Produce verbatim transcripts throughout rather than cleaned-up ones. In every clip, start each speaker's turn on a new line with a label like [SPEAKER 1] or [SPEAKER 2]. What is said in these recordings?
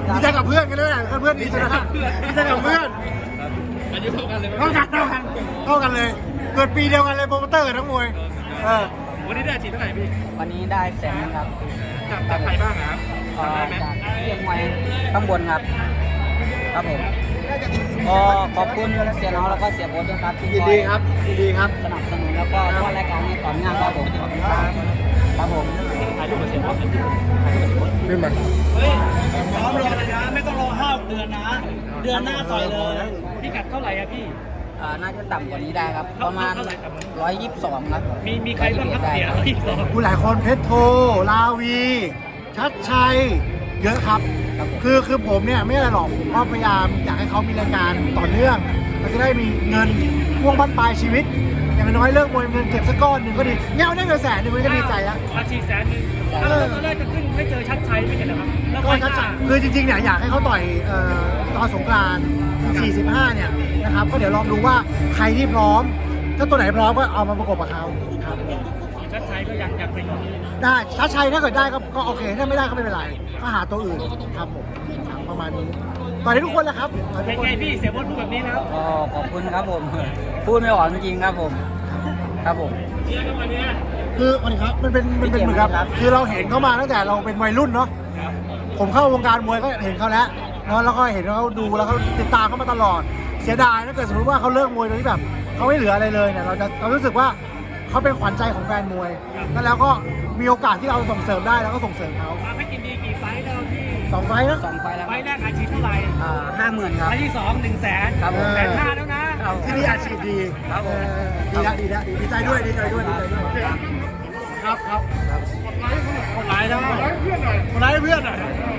[SPEAKER 1] ดีใจกับเพื่อนกันด้วยนะเพื่อนดีใจนะดีใจกับเพื่อน
[SPEAKER 2] อายุเท่ากันเลย
[SPEAKER 1] เท่ากันเท่ากันเท่ากันเลยเกิดปีเดียวกันเลยโปรโมเตอร์ทั้งมวยเออ
[SPEAKER 2] วันนี้ได้ฉีดเท่าไหร่พี่
[SPEAKER 3] วันนี้ได้แสนครับ
[SPEAKER 2] จากจากใครบ้างครับ
[SPEAKER 3] จากเรียกมวยข้างบนครับครับผมก็ขอบคุณเสียน้องแล้วก็เสียโบ๊ทด้วยครับที่
[SPEAKER 1] ยินดีครับยินดีครับ
[SPEAKER 3] สนับสนุนแล้วก็ช่วยรายการให้ต่อเนื่องครับผมครับผม
[SPEAKER 2] ถ่ายรูปกับเสียโบ๊ทถ่ายรูปกับเสียโบ๊ท
[SPEAKER 1] ขึ้นมา
[SPEAKER 4] เฮ้ยพร้อมรอเลยนะไม่ต้องรอห้าเดือนนะเดือนหน้าต่อยเลย
[SPEAKER 2] พี่กัดเท่าไหร่อะพี่
[SPEAKER 3] น่าจะต่ำกว่านี้ได้ครับประมาณร้อยยี่สิบสองครับ
[SPEAKER 2] มีมีใครบ้างครับเสียอีกสอง
[SPEAKER 1] ผู้หลายคนเพชรโทลาวีชัดชัยเยอะครับคือคือผมเนี่ยไม่อะไรหรอกผมก็พยายามอยากให้เขามีรายการต่อเนื่องมันจะได้มีเงินพ่วงบั้นปลายชีวิตอย่างน้อยเลิกมวยเงินเก็บสักก้อนหนึ่งก็ดีเงี้ยได้เงินแสนหนึ่งมันก็ดีใจแล้ว
[SPEAKER 2] อาชีพแสนหนึ่งแล้วตอนแรกจะขึ้นไม่เจอชัดชัยไม่เห็นเหรอครับแล้ว
[SPEAKER 1] ก็ชัดชัยคือจริงๆเนี่ยอยากให้เขาต่อยตอนสงกรานต์สี่สิบห้าเนี่ยนะครับก็เดี๋ยวลองดูว่าใครที่พร้อมถ้าตัวไหนพร้อมก็เอามาประกบกับเขาครับ
[SPEAKER 2] ชัดชัยก็ยังอยากเป็น
[SPEAKER 1] ได้ชัดชัยถ้าเกิดได้ก็ก็โอเคถ้าไม่ได้ก็ไม่เป็นไรก็หาตัวอื่นครับผมประมาณนี้ต่อยทุกคนแหละครับ
[SPEAKER 2] เป็นไงพี่เสียโบ๊ทพูดแบบนี้แล้ว
[SPEAKER 3] ก็ขอบคุณครับผมพูดไม่ออกจริงๆครับผมครับผม
[SPEAKER 1] คือวันนี้ครับมันเป็นมันเป็นเหมือนกับคือเราเห็นเขามาตั้งแต่เราเป็นวัยรุ่นเนาะผมเข้าวงการมวยก็เห็นเขาแล้วเนาะแล้วก็เห็นเขาดูแล้วเขาติดตามเขามาตลอดเสียดายถ้าเกิดสมมติว่าเขาเลิกมวยโดยที่แบบเขาไม่เหลืออะไรเลยเนี่ยเราจะเรารู้สึกว่าเขาเป็นขวัญใจของแฟนมวยแล้วก็มีโอกาสที่เราส่งเสริมได้แล้วก็ส่งเสริมเขา
[SPEAKER 2] ให้กินดีกี่ไฟล์แล้วพี่
[SPEAKER 1] สองไฟล์นะ
[SPEAKER 3] สองไฟล์แล้ว
[SPEAKER 2] ไฟล์แรกอาชีพเท่าไหร่
[SPEAKER 3] อ่าห้าหมื่นครับ
[SPEAKER 2] ไฟล์ที่สองหนึ่งแสน
[SPEAKER 3] ครับผม
[SPEAKER 2] แสนห้าแล้วนะ
[SPEAKER 1] ที่นี่อาชีพดี
[SPEAKER 3] ครับผม
[SPEAKER 1] ดีละดีละดีใจด้วยดีใจด้วยดีใจด้วยครับครับ
[SPEAKER 2] คนร้ายได้
[SPEAKER 1] คนร้ายเพื่อนหน่อย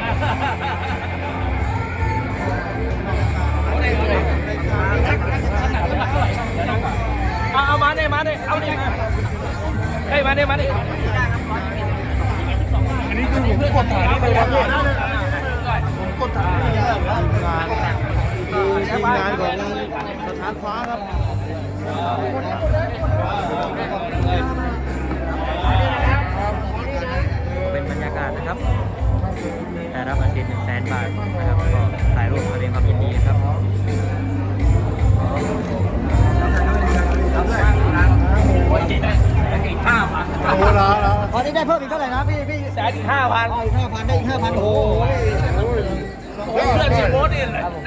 [SPEAKER 2] เอามาเนี่ยมาเนี่ยเอาเนี่ยเฮ้ยมาเนี่ยมาเนี่ยอันนี้คือผมกดถ่ายไปแล้วผมกดถ่ายงานทีมงานของสถานฟ้าครับ
[SPEAKER 3] เป็นบรรยากาศนะครับแต่รับอาชีพหนึ่งแสนบาทนะครับก็ถ่ายรูปแสดงความยินดีครับ
[SPEAKER 2] อีกห้าพัน
[SPEAKER 1] โอ้โหแล้วแล้ว
[SPEAKER 4] ตอนนี้ได้เพิ่มอีกเท่าไหร่นะพี่พี่
[SPEAKER 2] แสนอีกห้าพัน
[SPEAKER 4] อีกห้าพันได้อีกห้าพันโอ้โห
[SPEAKER 2] เพื่อนเชียร์โบ๊ทนี่แหละ